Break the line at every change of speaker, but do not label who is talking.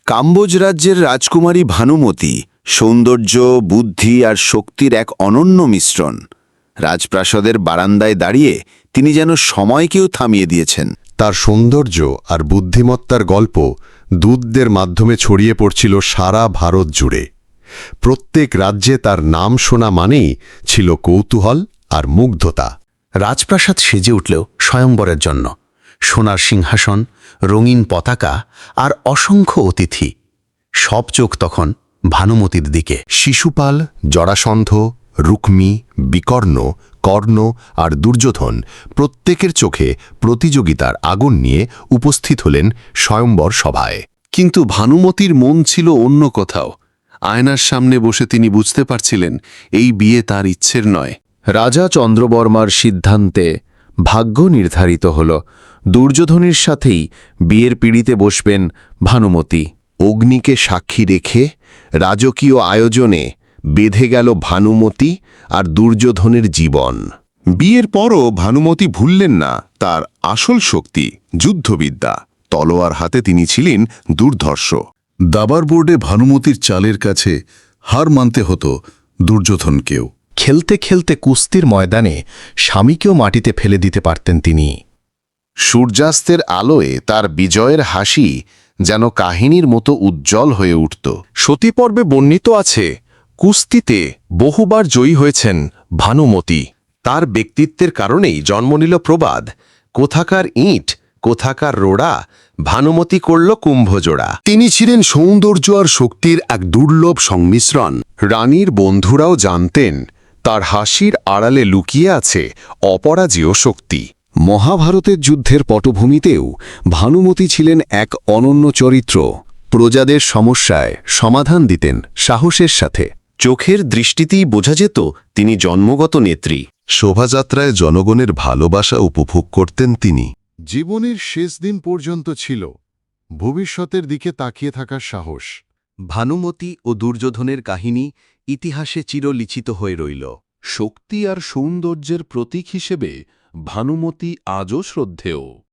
কাম্বোজ রাজ্যের রাজকুমারী ভানুমতি সৌন্দর্য, বুদ্ধি আর শক্তির এক অনন্য মিশ্রণ। রাজপ্রাসাদের বারান্দায় দাঁড়িয়ে তিনি যেন সময়কেও থামিয়ে দিয়েছেন।
তার সৌন্দর্য আর বুদ্ধিমত্তার গল্প দূতদের মাধ্যমে ছড়িয়ে পড়ছিল সারা ভারত জুড়ে। প্রত্যেক রাজ্যে তার নাম শোনা মানেই ছিল কৌতূহল আর মুগ্ধতা।
রাজপ্রাসাদ সেজে উঠলেও স্বয়ংবরের জন্য সোনার সিংহাসন, রঙিন পতাকা আর অসংখ্য অতিথি। সব চোখ তখন ভানুমতির দিকে।
শিশুপাল, জরাসন্ধ, রুক্মী, বিকর্ণ, কর্ণ আর দুর্যোধন প্রত্যেকের চোখে প্রতিযোগিতার আগুন নিয়ে উপস্থিত হলেন স্বয়ম্বর সভায়।
কিন্তু ভানুমতির মন ছিল অন্য কোথাও। আয়নার সামনে বসে তিনি বুঝতে পারছিলেন এই বিয়ে তার ইচ্ছের নয়।
রাজা চন্দ্রবর্মার সিদ্ধান্তে ভাগ্য নির্ধারিত হল। দুর্যোধনের সাথেই বিয়ের পিঁড়িতে বসবেন ভানুমতি।
অগ্নিকে সাক্ষী রেখে রাজকীয় আয়োজনে বেঁধে গেল ভানুমতি আর দুর্যোধনের জীবন।
বিয়ের পরও ভানুমতি ভুললেন না তার আসল শক্তি, যুদ্ধবিদ্যা। তলোয়ার হাতে তিনি ছিলেন দুর্ধর্ষ।
দাবার বোর্ডে ভানুমতির চালের কাছে হার মানতে হতো দুর্যোধনকেও।
খেলতে খেলতে কুস্তির ময়দানে স্বামীকেও মাটিতে ফেলে দিতে পারতেন তিনি।
সূর্যাস্তের আলোয় তার বিজয়ের হাসি যেন কাহিনীর মতো উজ্জ্বল হয়ে উঠত।
সতীপর্বে বর্ণিত আছে, কুস্তিতে বহুবার জয়ী হয়েছেন ভানুমতি।
তার ব্যক্তিত্বের কারণেই জন্ম নিল প্রবাদ, কোথাকার ইঁট কোথাকার রোড়া, ভানুমতি করল কুম্ভজোড়া।
তিনি ছিলেন সৌন্দর্য আর শক্তির এক দুর্লভ সংমিশ্রণ। রানীর বন্ধুরাও জানতেন তার হাসির আড়ালে লুকিয়ে আছে অপরাজেয় শক্তি।
মহাভারতের যুদ্ধের পটভূমিতেও ভানুমতি ছিলেন এক অনন্য চরিত্র। প্রজাদের সমস্যায় সমাধান দিতেন সাহসের সাথে।
চোখের দৃষ্টিতেই বোঝা যেত তিনি জন্মগত নেত্রী।
শোভাযাত্রায় জনগণের ভালোবাসা উপভোগ করতেন তিনি।
জীবনের শেষ দিন পর্যন্ত ছিল ভবিষ্যতের দিকে তাকিয়ে থাকার সাহস।
ভানুমতি ও দুর্যোধনের কাহিনী ইতিহাসে চিরলিখিত হয়ে রইল।
শক্তি আর সৌন্দর্যের প্রতীক হিসেবে ভানুমতি আজও শ্রদ্ধেয়।